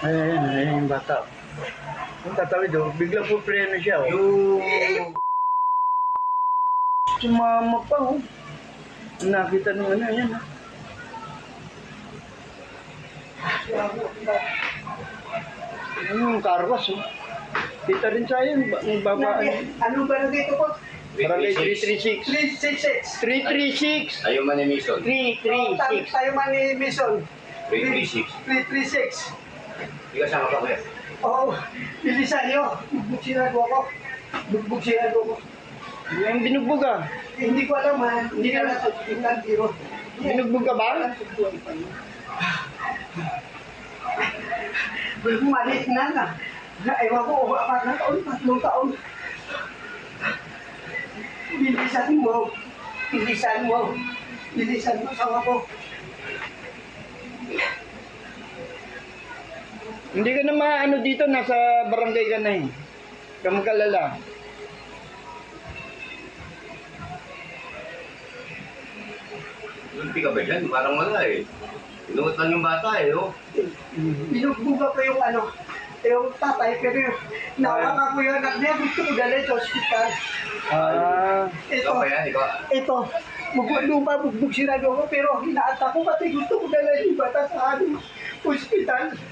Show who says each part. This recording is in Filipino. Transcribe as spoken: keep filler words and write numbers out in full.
Speaker 1: Ayan, ayan yung bata. Yung tatawid oh, biglang po preno siya oh.
Speaker 2: Yung...
Speaker 1: Sumama pa oh. Nakita nyo ano, yan ah. Ano yung carwash oh. Kita rin sa yun, yung babaan.
Speaker 2: Anong ba dito po?
Speaker 1: Barangay three three six.
Speaker 2: three six six.
Speaker 1: three three six.
Speaker 3: Ayaw man ni Mission.
Speaker 1: three three six.
Speaker 2: Tayo man ni Mission.
Speaker 3: three three six.
Speaker 2: three three six.
Speaker 3: Hindi ka sama pa kuya.
Speaker 2: Oo, bilisan niyo. Bugbog sinado ako. Bugbog sinado ako.
Speaker 1: Yung binugbog ah.
Speaker 2: Eh, hindi ko alam ha. Hindi ka na sa biro.
Speaker 1: Binugbog ka ba?
Speaker 2: Malit na na. Ewan ko, apat na taon, tatlong taon. Bilisan mo. Bilisan mo. Bilisan mo sa ako.
Speaker 1: Hindi ka na maano dito, nasa barangay ka na eh. Kamagalala.
Speaker 3: Hindi ka ba dyan? Parang wala eh. Inuot lang yung bata eh, oh.
Speaker 2: Binugbuga ko yung ano, yung tatay, pero yung nawakan ko yung anak niya, gusto ko dalhin sa ospital.
Speaker 1: Ah.
Speaker 2: Ito,
Speaker 3: Ikaw ba yan? Ikaw?
Speaker 2: ito, bugbog lupa, bugbog sinado ko, pero hinaata ko kasi gusto ko dalhin yung bata sa ano, ospital.